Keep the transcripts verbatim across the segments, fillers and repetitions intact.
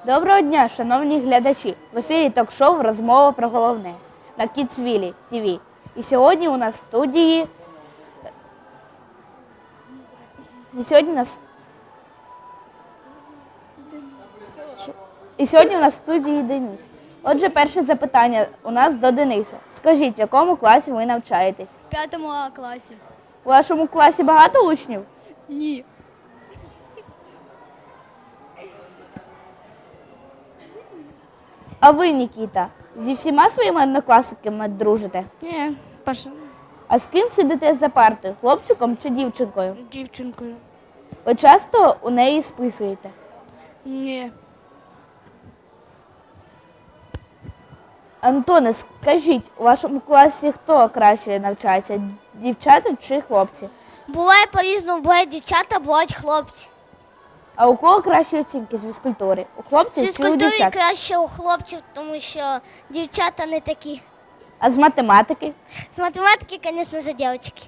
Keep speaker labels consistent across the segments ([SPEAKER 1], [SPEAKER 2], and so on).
[SPEAKER 1] Доброго дня, шановні глядачі! В ефірі ток-шоу «Розмова про головне» на Kidsville ті ві. І сьогодні у нас в студії... І сьогодні у нас... І сьогодні у нас в студії Денис. Отже, перше запитання у нас до Дениса. Скажіть, в якому класі ви навчаєтесь?
[SPEAKER 2] В п'ятому А класі.
[SPEAKER 1] У вашому класі багато учнів?
[SPEAKER 2] Ні.
[SPEAKER 1] А ви, Нікіта, зі всіма своїми однокласниками дружите?
[SPEAKER 2] Ні, Паша.
[SPEAKER 1] А з ким сидите за партою, хлопчиком чи дівчинкою?
[SPEAKER 2] Дівчинкою.
[SPEAKER 1] Ви часто у неї списуєте?
[SPEAKER 2] Ні.
[SPEAKER 1] Антоне, скажіть, у вашому класі хто краще навчається, дівчата чи хлопці?
[SPEAKER 3] Буває по-різному, бувають дівчата, бувають хлопці.
[SPEAKER 1] А у кого кращі оцінки з фізкультури? У хлопців
[SPEAKER 3] З
[SPEAKER 1] чи у
[SPEAKER 3] фізкультури
[SPEAKER 1] дівчат?
[SPEAKER 3] краще у хлопців, тому що дівчата не такі.
[SPEAKER 1] А з математики?
[SPEAKER 3] З математики, звісно, за дівчатки.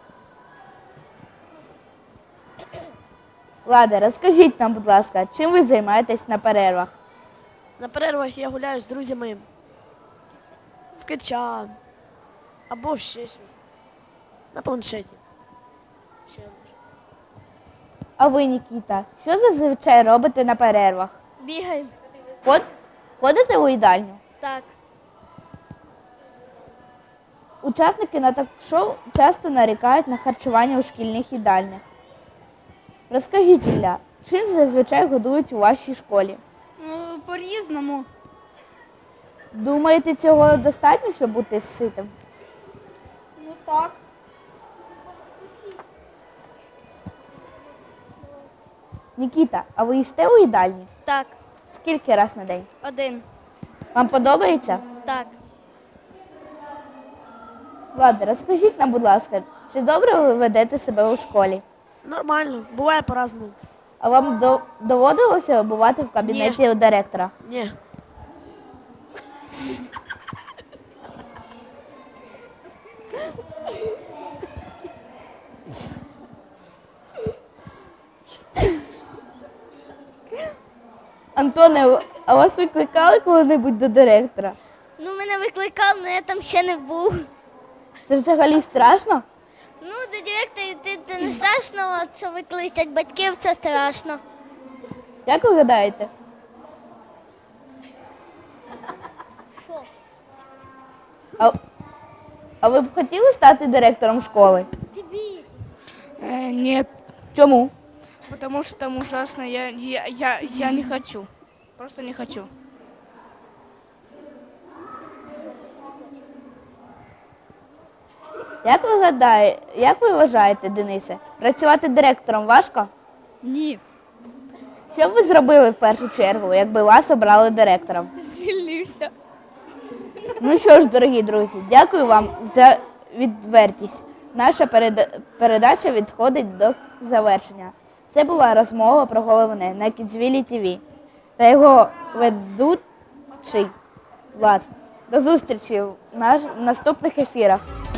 [SPEAKER 1] Лада, розкажіть нам, будь ласка, чим ви займаєтесь на перервах?
[SPEAKER 4] На перервах я гуляю з друзями в кетча або ще щось. На планшеті. Ще може.
[SPEAKER 1] А ви, Нікіта, що зазвичай робите на перервах?
[SPEAKER 3] Бігаємо.
[SPEAKER 1] Ход... Ходите у їдальню?
[SPEAKER 3] Так.
[SPEAKER 1] Учасники на ток-шоу часто нарікають на харчування у шкільних їдальнях. Розкажіть, Ілля, чим зазвичай годують у вашій школі?
[SPEAKER 2] Ну, по-різному.
[SPEAKER 1] Думаєте, цього достатньо, щоб бути ситим?
[SPEAKER 2] Ну так.
[SPEAKER 1] Нікіта, а ви їсте у їдальні?
[SPEAKER 3] Так.
[SPEAKER 1] Скільки раз на день?
[SPEAKER 3] Один.
[SPEAKER 1] Вам подобається?
[SPEAKER 3] Так.
[SPEAKER 1] Влада, розкажіть нам, будь ласка, чи добре ви ведете себе у школі?
[SPEAKER 4] Нормально, буває по-разному.
[SPEAKER 1] А вам до- доводилося бувати в кабінеті у директора?
[SPEAKER 4] Ні.
[SPEAKER 1] Антоне, а вас викликали коли-небудь до директора?
[SPEAKER 3] Ну, мене викликали, але я там ще не був.
[SPEAKER 1] Це взагалі страшно?
[SPEAKER 3] Ну, до директора йти це не страшно, а що викличуть батьків, це страшно.
[SPEAKER 1] Як ви гадаєте?
[SPEAKER 3] Що?
[SPEAKER 1] А, а ви б хотіли стати директором школи?
[SPEAKER 3] Тобі.
[SPEAKER 2] Э, нет,
[SPEAKER 1] Чому?
[SPEAKER 2] потому что там ужасно. Я, я, я, я не хочу. Просто не хочу.
[SPEAKER 1] Як ви гадаєте, як ви вважаєте, Денисе, працювати директором важко?
[SPEAKER 2] Ні.
[SPEAKER 1] Що б ви зробили в першу чергу, якби вас обрали директором?
[SPEAKER 2] Звільнився.
[SPEAKER 1] Ну що ж, дорогі друзі, дякую вам за відвертість. Наша переда- передача відходить до завершення. Це була розмова про головне на Kidsville ті ві та його ведучий Влад. До зустрічі в наш- наступних ефірах.